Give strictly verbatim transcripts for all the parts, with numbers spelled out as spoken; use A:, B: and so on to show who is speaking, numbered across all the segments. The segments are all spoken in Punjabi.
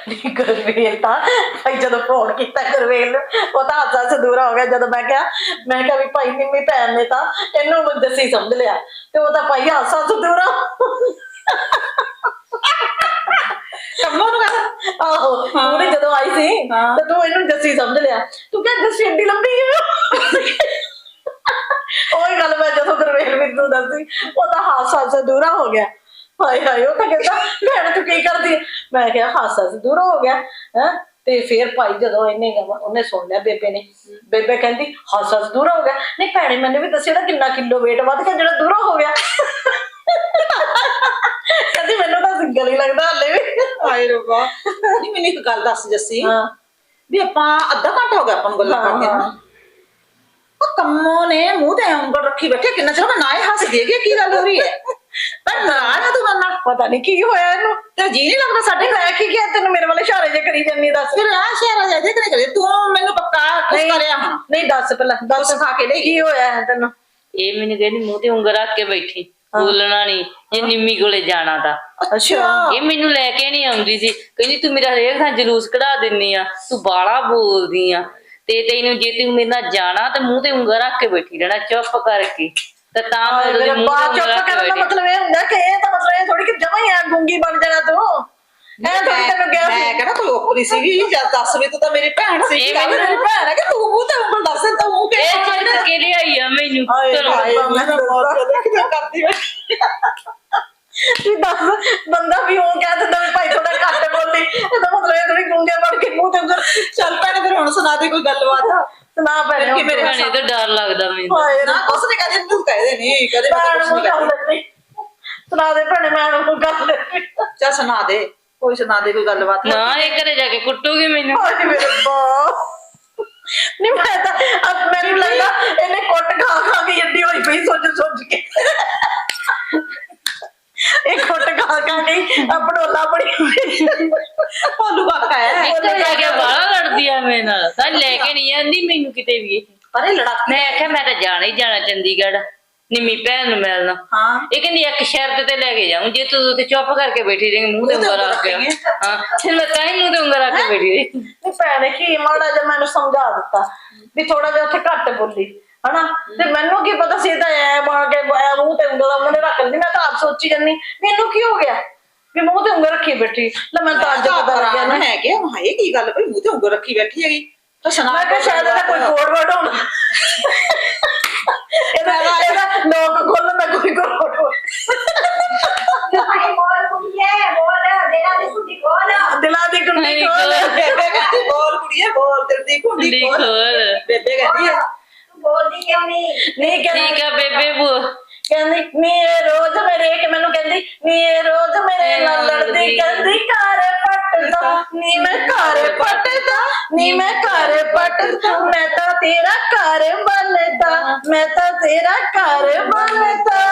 A: ਗੁਰਵੇਲ ਤਾਂ ਭਾਈ ਜਦੋਂ ਫੋਨ ਕੀਤਾ ਗੁਰਵੇਲ ਨੂੰ ਉਹ ਤਾਂ ਹਾਸਾ ਸਦੂਰਾ ਹੋ ਗਿਆ ਜਦੋਂ ਮੈਂ ਕਿਹਾ ਮੈਂ ਕਿਹਾ ਵੀ ਭਾਈ ਨਿੰਮੀ ਭੈਣ ਨੇ ਤਾਂ ਇਹਨੂੰ ਜੱਸੀ ਸਮਝ ਲਿਆ ਤੇ ਉਹ ਤਾਂ ਭਾਈ ਹਾਸਾ ਸਦੂਰਾ
B: ਕੰਮੋਂ ਨੂੰ ਕਹਿੰਦਾ
A: ਆਹੋ ਉਹਨੇ ਜਦੋਂ ਆਈ ਸੀ ਤੇ ਤੂੰ ਇਹਨੂੰ ਜੱਸੀ ਸਮਝ ਲਿਆ ਤੂੰ ਕਿਹਾ ਜੱਸੀ ਏਡੀ ਲੰਬੀ ਹੈ ਉਹੀ ਗੱਲ ਮੈਂ ਜਦੋਂ ਗੁਰਵੇਲ ਮੈਨੂੰ ਦੱਸੀ ਉਹ ਤਾਂ ਹਾਸਾ ਸਦੂਰਾ ਹੋ ਗਿਆ ਹਾਏ ਹਾਏ ਉਹ ਤਾਂ ਕਹਿੰਦਾ ਭੈਣ ਤੂੰ ਕੀ ਕਰਦੀ ਮੈਂ ਕਿਹਾ ਹਾਸਾ ਸਦੂਰਾ ਹੋ ਗਿਆ ਹੈ ਤੇ ਫਿਰ ਭਾਈ ਜਦੋਂ ਇਹਨੇ ਉਹਨੇ ਸੁਣ ਲਿਆ ਬੇਬੇ ਨੇ ਬੇਬੇ ਕਹਿੰਦੀ ਹਾਸਾ ਦੂਰਾ ਹੋ ਗਿਆ ਨਹੀਂ ਭੈਣੇ ਮੈਨੂੰ ਵੀ ਦੱਸਿਆ ਨਾ ਕਿੰਨਾ ਕਿਲੋ weight ਵੱਧ ਗਿਆ ਜਿਹੜਾ ਦੂਰਾ ਹੋ ਗਿਆ ਕਹਿੰਦੀ ਮੈਨੂੰ ਤਾਂ ਸਿੰਗਲ ਹੀ ਲੱਗਦਾ ਹਲੇ ਵੀ
B: ਹਾਏ ਰੱਬਾ ਨਹੀਂ ਮੈਨੂੰ ਇੱਕ ਗੱਲ ਦੱਸ ਜੱਸੀ ਵੀ ਆਪਾਂ ਅੱਧਾ ਘੰਟਾ ਹੋ ਗਿਆ ਆਪਾਂ ਨੂੰ ਗੱਲਾਂ ਕਰਦੇ ਨਾ ਉਹ ਕੰਮੋਂ ਨੇ ਮੂੰਹ ਤੇ ਉਂਗਲ ਰੱਖੀ ਬੈਠੇ ਕਿੰਨਾ ਚਿਰ ਨਾ ਇਹ ਹੱਸਦੀ ਹੈਗੀ ਕੀ ਗੱਲ ਹੋ ਰਹੀ ਹੈ ਪਰ ਨਾਰਾਜ਼ ਆ ਤੂੰ ਮੇਰੇ ਨਾਲ
A: ਪਤਾ ਨਹੀਂ ਕੀ ਹੋਇਆ ਇਹਨੂੰ
B: ਤੇ ਜੀ ਨਹੀਂ ਲੱਗਦਾ ਸਾਡੇ
A: ਮੈਂ ਕੀ ਕਿਹਾ ਤੈਨੂੰ ਮੇਰੇ ਵਾਲੇ ਇਸ਼ਾਰੇ ਜੇ ਕਰੀ ਜਾਂਦੀ ਦੱਸ
B: ਫਿਰ ਆ ਸ਼ੇਰਾ ਜਾ ਦੇ ਕਰੇ ਤੂੰ ਮੈਨੂੰ ਪੱਕਾ ਕੁਛ ਕਰਿਆ ਹਾਂ
A: ਨਹੀਂ ਦੱਸ ਪਹਿਲਾਂ ਦੱਸ
B: ਖਾ ਕੇ ਲੈ
A: ਕੀ ਹੋਇਆ ਹੈ ਤੈਨੂੰ
C: ਇਹ ਮੈਨੂੰ ਕਹਿੰਦੀ ਮੂੰਹ ਤੇ ਉਂਗਲ ਰੱਖ ਕੇ ਬੈਠੀ ਬੋਲਣਾ ਨਹੀਂ ਇਹ ਨਿੰਮੀ ਕੋਲੇ ਜਾਣਾ ਤਾਂ
A: ਅੱਛਾ
C: ਇਹ ਮੈਨੂੰ ਲੈ ਕੇ ਨਹੀਂ ਆਉਂਦੀ ਸੀ ਕਹਿੰਦੀ ਤੂੰ ਮੇਰਾ ਹਰੇਕ ਥਾਂ ਜਲੂਸ ਕਢਾ ਦਿੰਨੀ ਆ ਤੂੰ ਬਾਲਾ ਬੋਲਦੀ ਆ ਤੇ ਤੈਨੂੰ ਜੇ ਤੂੰ ਮੇਰੇ ਨਾਲ ਜਾਣਾ ਤੇ ਮੂੰਹ ਤੇ ਉਂਗਲ ਰੱਖ ਕੇ ਬੈਠੀ ਰਹਿਣਾ ਚੁੱਪ ਕਰਕੇ ਤੇ ਤਾਂ ਮੈਂ ਉਹਦੇ ਮੂੰਹ ਤੇ ਉਂਗਲ ਰੱਖ ਕੇ
A: ਕਰਨ ਦਾ
C: ਬੈਠੀ
A: ਮਤਲਬ ਇਹ ਹੁੰਦਾ ਕਿ ਇਹ ਤਾਂ ਮਤਲਬ ਇਹ ਥੋੜੀ ਕਿ ਜਮਾਂ ਹੀ ਆ ਗੂੰਗੀ ਬਣ ਜਾਣਾ ਤੂੰ ਐ ਥੋੜੀ ਤੈਨੂੰ ਕਿਹਾ ਸੀ
B: ਮੈਂ ਕਹਿੰਦਾ ਤੂੰ ਓਪਰੀ ਸੀਗੀ ਜਦ ਦੱਸ ਵੀ ਤੂੰ ਤਾਂ ਮੇਰੀ ਭੈਣ ਸੀ
C: ਇਹ
B: ਮੇਰੀ ਭੈਣ ਹੈ ਕਿ ਤੂੰ ਮੂੰਹ ਤੇ ਉਂਗਲ ਦੱਸ ਤਾਂ ਮੂੰਹ ਕੇ
C: ਇਹ ਚਿੜ ਕੇ ਲਿਆਈ ਆ ਮੈਨੂੰ ਚਲੋ
B: ਮੈਂ ਬਹੁਤ ਜ਼ਿਆਦਾ ਕਰਦੀ ਬੈਠੀ
A: ਵੀ ਦੱਸ ਬੰਦਾ ਵੀ ਉਹ ਕਹਿ ਦਿੰਦਾ ਵੀ ਭਾਈ ਥੋੜਾ ਘੱਟ ਬੋਲੀ ਇਹਦਾ ਮਤਲਬ ਇਹ ਥੋੜੀ ਗੂੰਗੇ ਬਣ ਕੇ ਮੂੰਹ ਤੇ ਉਂਗਲ
B: ਚੱਲ ਭੈਣੇ ਫਿਰ ਹੁਣ ਸੁਣਾ ਦੇ ਕੋਈ ਗੱਲਬਾਤ
A: ਸੁਣਾ ਭੈਣੇ
B: ਕਿ ਮੇਰੇ
C: ਭੈਣੇ ਤਾਂ ਡਰ ਲੱਗਦਾ ਮੈਨੂੰ
A: ਹਾਏ
B: ਨਾ ਕੁਛ ਨਹੀਂ ਕਹਦੇ ਤੂੰ ਕਹਦੇ ਨਹੀਂ ਕਦੇ ਮੈਂ
A: ਭੈਣ
B: ਕੁਛ
A: ਨੂੰ
B: ਨਹੀਂ
A: ਗੱਲ
B: ਕਰਦੀ
A: ਨਹੀਂ ਸੁਣਾ ਦੇ ਭੈਣੇ ਮੈਂ ਉਹਨੂੰ ਗੱਲ ਨਹੀਂ
B: ਚੱਲ ਸੁਣਾ ਦੇ ਕੋਈ ਸੁਣਾ ਦੇ ਕੋਈ ਗੱਲਬਾਤ
C: ਨਾ ਇਹ ਘਰੇ ਜਾ ਕੇ ਕੁੱਟੂਗੀ ਮੈਨੂੰ
A: ਹਾਏ ਮੇਰੇ ਬਾ ਨਹੀਂ ਮੈਂ ਤਾਂ ਅਬ ਮੈਨੂੰ ਲੱਗਦਾ ਇਹਨੇ ਕੁੱਟ ਖਾ ਖਾ ਕੇ ਜੱਡੀ ਹੋਈ ਪਈ ਸੋਚ ਸੋਚ ਕੇ ਇਹ ਕੁੱਟ ਖਾ ਖਾ ਕੇ ਅਪੜੋਲਾ ਬੜੀ ਹੋਈ
B: ਉਹਨੂੰ ਬਾਤ ਹੈ
C: ਇੱਕ ਜਾ ਕੇ ਬਾਹਲਾ ਲੜਦੀ ਆ ਮੇਰੇ ਨਾਲ ਤਾਂ ਲੈ ਕੇ ਨਹੀਂ ਜਾਂਦੀ ਮੈਨੂੰ ਕਿਤੇ ਵੀ
B: ਪਰ ਇਹ ਲੜਾਕੀ
C: ਮੈਂ ਆਖਿਆ ਮੈਂ ਤਾਂ ਜਾਣਾ ਹੀ ਜਾਣਾ ਚੰਡੀਗੜ੍ਹ ਨਿੰਮੀ ਭੈਣ ਨੂੰ ਮਿਲਣਾ
B: ਹਾਂ
C: ਇਹ ਕਹਿੰਦੀ ਇੱਕ ਸ਼ਰਤ ਤੇ ਲੈ ਕੇ ਜਾਊਂ ਜੇ ਤੂੰ ਉੱਥੇ ਚੁੱਪ ਕਰਕੇ ਬੈਠੀ ਰਹੇਂਗੀ ਮੂੰਹ ਤੇ ਉਂਗਲ ਰੱਖ ਕੇ ਹਾਂ ਫਿਰ ਮੈਂ ਤਾਂ ਹੀ ਮੂੰਹ ਤੇ ਉਂਗਲ ਰੱਖ ਕੇ ਬੈਠੀ ਰਹੀ
A: ਨਹੀਂ ਭੈਣੇ ਕੀ ਮਾੜਾ ਜਿਹਾ ਮੈਨੂੰ ਸਮਝਾ ਦਿੱਤਾ ਵੀ ਥੋੜਾ ਜਿਹਾ ਉੱਥੇ ਘੱਟ ਬੋਲੀ ਹਨਾ ਤੇ ਮੈਨੂੰ ਕੀ ਪਤਾ ਸੀ ਤਾਂ ਐ ਬਣ ਕੇ ਐ ਮੂੰਹ ਤੇ ਉਂਗਲ ਉਹਨੇ ਰੱਖ ਲਈ ਮੈਂ ਤਾਂ ਆਪ ਸੋਚੀ ਜਾਂਦੀ ਮੈਨੂੰ ਕੀ ਹੋ ਗਿਆ ਵੀ ਮੂੰਹ ਤੇ ਉਂਗਲ ਰੱਖੀ ਬੈਠੀ ਲੈ ਮੈਂ ਤਾਂ ਅੱਜ ਪਤਾ ਲੱਗਿਆ ਨਾ
B: ਹੈ ਕਿ ਹਾਏ ਕੀ ਗੱਲ ਭਈ ਮੂੰਹ ਤੇ ਉਂਗਲ ਰੱਖੀ ਬੈਠੀ ਹੈਗੀ ਤਾਂ ਸੁਣਾ
A: ਮੈਂ ਕਿਹਾ ਸ਼ਾਇਦ ਇਹਦਾ ਕੋਈ ਕੋਡ ਵਰਡ ਹੋਣਾ ਇਹਦਾ ਇਹਦਾ ਲੋਕ ਖੋਲਣ ਦਾ ਕੋਈ ਕੋਡ ਦਿਲਾਂ ਦੀ ਕੁੰਡੀ ਖੋਲ
B: ਬੇਬੇ ਕਹਿੰਦੀ ਬੋਲ ਕੁੜੀਏ ਬੋਲ ਦਿਲ ਦੀ ਕੁੰਡੀ
C: ਕੁੰਡੀ
B: ਖੋਲ
C: ਖੋਲ।
B: ਬੇਬੇ ਕਹਿੰਦੀ ਆ
A: ਨਹੀਂ ਕਹਿੰਦੀ
C: ਠੀਕ ਆ ਬੇਬੇ ਬੋ
A: ਕਹਿੰਦੀ ਨੀ ਇਹ ਰੋਜ਼ ਮੇਰੇ ਕਿ ਮੈਨੂੰ ਕਹਿੰਦੀ ਨੀ ਇਹ ਰੋਜ਼ ਮੇਰੇ ਨਾਲ ਲੜਦੀ ਕਹਿੰਦੀ ਘਰ ਪੱਟਦਾ ਨੀ ਮੈਂ ਘਰ ਪੱਟਦਾ ਨੀ ਮੈਂ ਘਰ ਪੱਟਦਾ ਮੈਂ ਤਾਂ ਤੇਰਾ ਘਰ ਬਣਦਾ ਮੈਂ ਤਾਂ ਤੇਰਾ ਘਰ ਬਣਦਾ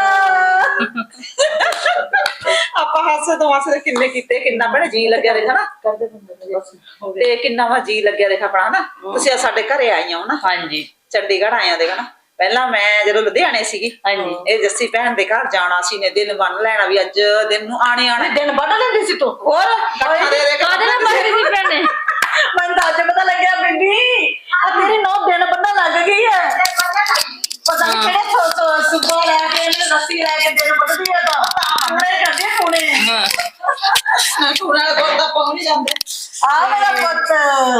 B: ਆਪਾਂ ਹਾਸੇ ਤੋਂ ਹਾਸੇ ਕਿੰਨੇ ਕੀਤੇ ਕਿੰਨਾ ਬੜਾ ਜੀ ਲੱਗਿਆ ਦੇਖਾ ਨਾ
A: ਕਰਦੇ ਹੁੰਦੇ
B: ਤੇ ਕਿੰਨਾ ਵਾ ਜੀ ਲੱਗਿਆ ਦੇਖਾ ਆਪਣਾ ਨਾ ਤੁਸੀਂ ਸਾਡੇ ਘਰੇ ਆਈਆਂ ਹੋ ਨਾ
C: ਹਾਂਜੀ
B: ਚੰਡੀਗੜ੍ਹ ਆਇਆ ਦੇਖਾ ਨਾ ਪਹਿਲਾਂ ਮੈਂ ਜਦੋਂ ਲੁਧਿਆਣੇ ਸੀਗੀ
C: ਹਾਂਜੀ
B: ਇਹ ਜੱਸੀ ਭੈਣ ਦੇ ਘਰ ਜਾਣਾ ਸੀ ਨੇ ਦਿਨ ਬੰਨ ਲੈਣਾ ਵੀ ਅੱਜ ਦਿਨ ਨੂੰ ਆਣੇ ਆਣੇ
A: ਦਿਨ ਵੱਢ ਲੈਂਦੀ ਸੀ ਤੂੰ
B: ਹੋਰ ਇਕੱਠਾ ਦੇ ਦੇ
C: ਕਾਹਦੇ ਨਾਲ ਮਾਰੀ ਸੀ ਭੈਣੇ
A: ਮੈਨੂੰ ਤਾਂ ਅੱਜ ਪਤਾ ਲੱਗਿਆ ਬੀਬੀ ਆ ਤੇਰੀ ਨੌ ਦਿਨ ਬੰਦਾ ਲੱਗ ਗਈ ਹੈ ਪਤਾ ਨਹੀਂ ਕਿਹੜੇ ਸੋ ਸੋ ਸੁਬਾ ਲੈ ਕੇ ਇਹਨੇ ਰੱਸੀ ਲੈ ਕੇ ਦਿਨ ਵੱਢਦੀ ਆ ਤਾਂ ਉਹਨੇ ਕਰਦੇ ਹੁਣੇ
C: ਹਾਂ
B: ਟੂਣਾ ਕੋਲ ਤਾਂ ਪਹੁੰਚ ਨਹੀਂ ਜਾਂਦੇ
A: ਆ ਮੇਰਾ ਪੁੱਤ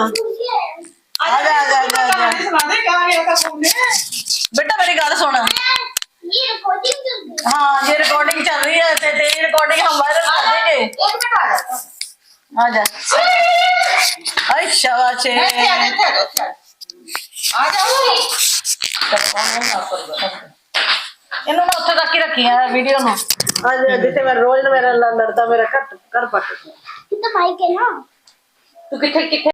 A: ਆ ਜਾ ਆ ਜਾ ਆ ਜਾ
B: ਸੁਣਾ ਦੇ ਕਹਾਂ ਗਿਆ ਤਾਂ ਸੁਣਨੇ
A: ਬੇਟਾ ਮੇਰੀ ਗੱਲ ਸੁਣ ਹਾਂ ये रिकॉर्डिंग चल रही है ते तेरी रिकॉर्डिंग हम वायरल कर देंगे आ जा आई शाबाश
B: आ जाओ
A: इन्होंने उत्थे तक ही रखी है वीडियो में आज जिथे मैं रोज मेरा लड़ता मेरा घर घर पट
D: तो माइक है ना
C: तू किथे किथे